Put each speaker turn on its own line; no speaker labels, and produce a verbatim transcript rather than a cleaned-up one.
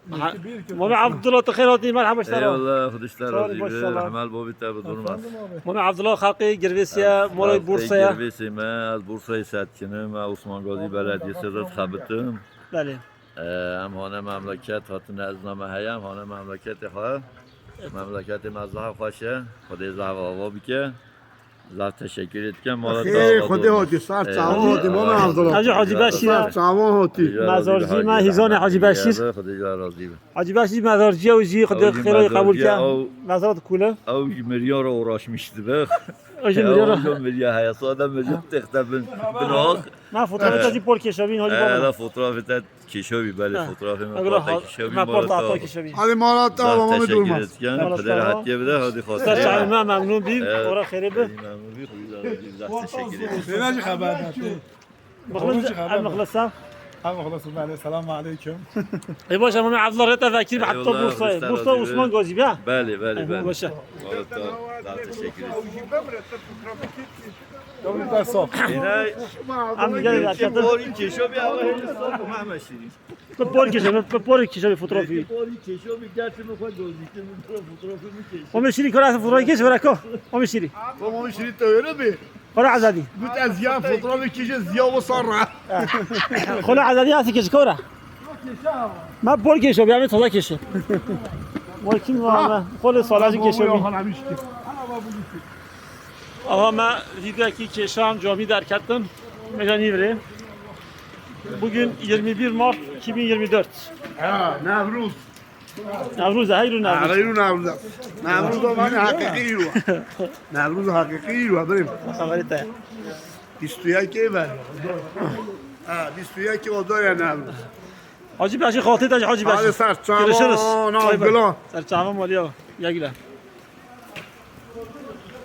مامی عبدالله تخیراتی مرحبا اشترا
eyvallah Kuduşlar
Sağ olun,
razı
boş
be.
sağ olun.
Rahmel Bobi tabi durmaz.
مامی عبدالله خلقی گرویسیا مولای بورسیا
Girvesi me az Bursa'yı setkinim. Osman Gazi Belediyesi rıt xabitim.
بله
Hem hane memleket hatun ezname heyem hane memleketi ha. Memleketi mezraha خوشه. خدای زهو آوا بکه. زهو تشکر etken. مالا
خیلی خودی هاتی سر چاوان هاتی مام عبدالله
حاجی حاجی بشیر
چاوان هاتی
مزارجی ما هیزان حاجی بشیر
خدای راضی به.
حاجی بشیر مزارجی و جی خدا
حاجی
خیرای قبول
مزارجی
کرد
او-
مزارات کوله
او میلیار رو uğraşmıştı be.
اوجی میلیارا
Milyon milyar hayasada milyon tekte bin bin ok.
من فوتبال تازی پول کشابین حاجی
Eee
بابا
fotoğrafı da kişovi beli fotoğrafı mı
اگر
parta kişovi
ما پورت
malata.
عطا کشابین
hadi malat da babamı
Teşekkür
durmaz
etken.
Malata.
Peder hatiye bir de hadi
سر
خاطر.
شعب ما ممنون بیم
Evet.
اورا خیره به
Memnun bir huylar. Teşekkür ederim.
سینا چی خبر داشتی؟
مخلص المخلص
هم مخلص بله سلام علیکم
ای باشه مامی عبدالله رتا وکیل به حتی
Eyvallah,
بورسا
Hristiyan
بورسا
razı
عثمان
be.
گازی بیا
Bəli, bəli, bəli.
باشه
Malata. Daha teşekkür ederim.
دولت صاف
Yine
هم دیگه
kim
حرکت
bori kişovi ama Hindistan bu memeşiri.
به پول کشابین به پول کشابین فوتوگرافی
Bori kişovi gerçi mi koy gözüktü mü fotoğrafı mı kişi.
ما میشینی کار از فوتوگرافی کش برکو ما میشینی
babamı şirin de öyle mi?
خلا عزادی
Bu da ziya fotoğrafı kişi ziya ve sonra
خلا عزادی هستی کش کورا من پول کشو بیام تازه کشه مالکی ما خود سالاجی کشو می آها من ویدیو کی کشام جامی در کردم مجانی بره bugün yirmi bir Mart iki bin yirmi dört
ha Nevruz
Nevruz hayır Nevruz
Ağayın Nevruz Nevruz da bana hakiki var Nevruz hakiki var benim
خبری تا
istiyor ki ben ha istiyor ki o da ya Nevruz
حاجی باشی خاطر داشت حاجی
hadi
باشی
sar çavan Abdullah
سر چاوا مالیا یا گله